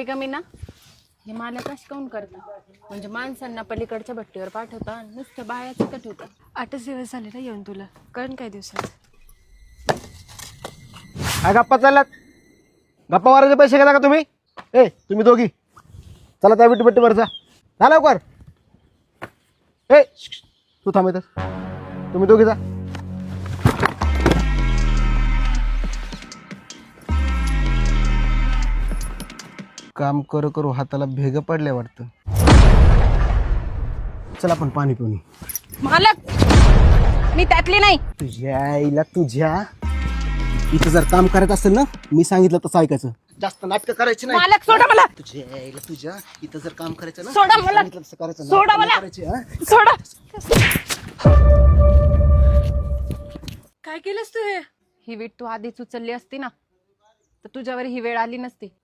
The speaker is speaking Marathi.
हे कमी ना हे मालक कश काऊन करता म्हणजे माणसांना पलीकडच्या भट्टीवर पाठवता आणि नुसतं बायाचं कट होतं. 8च दिवस झाले ना येऊन तुला कळण काय दिवसात. काय गप्पा चालल्यात? गप्पा मारायचे पैसे घेता का तुम्ही? तुम्ही दोघी चला त्या विटीभट्टीवर जा लवकर. तू थांबतस, तुम्ही दोघी जा. काम करू करू हाताला भेग पडले वाटतं. चला आपण पाणी पिऊन. मालक मी त्यातली नाही. तुझ्या आईला तुझ्या इथं जर काम करायचं असेल ना मी सांगितलं तसं ऐकायचं. जास्त नाटकं करायची नाही. मालक सोडा मला. तुझ्या आईला तुझ्या इथं जर काम करायचं ना सोडा मला. सांगितलं तसं करायचं. सोडा मला. सोडा. काय केलंस तू हे? ही वीट तू आधीच उचलली असती ना तर तुझ्यावर ही वेळ आली नसती.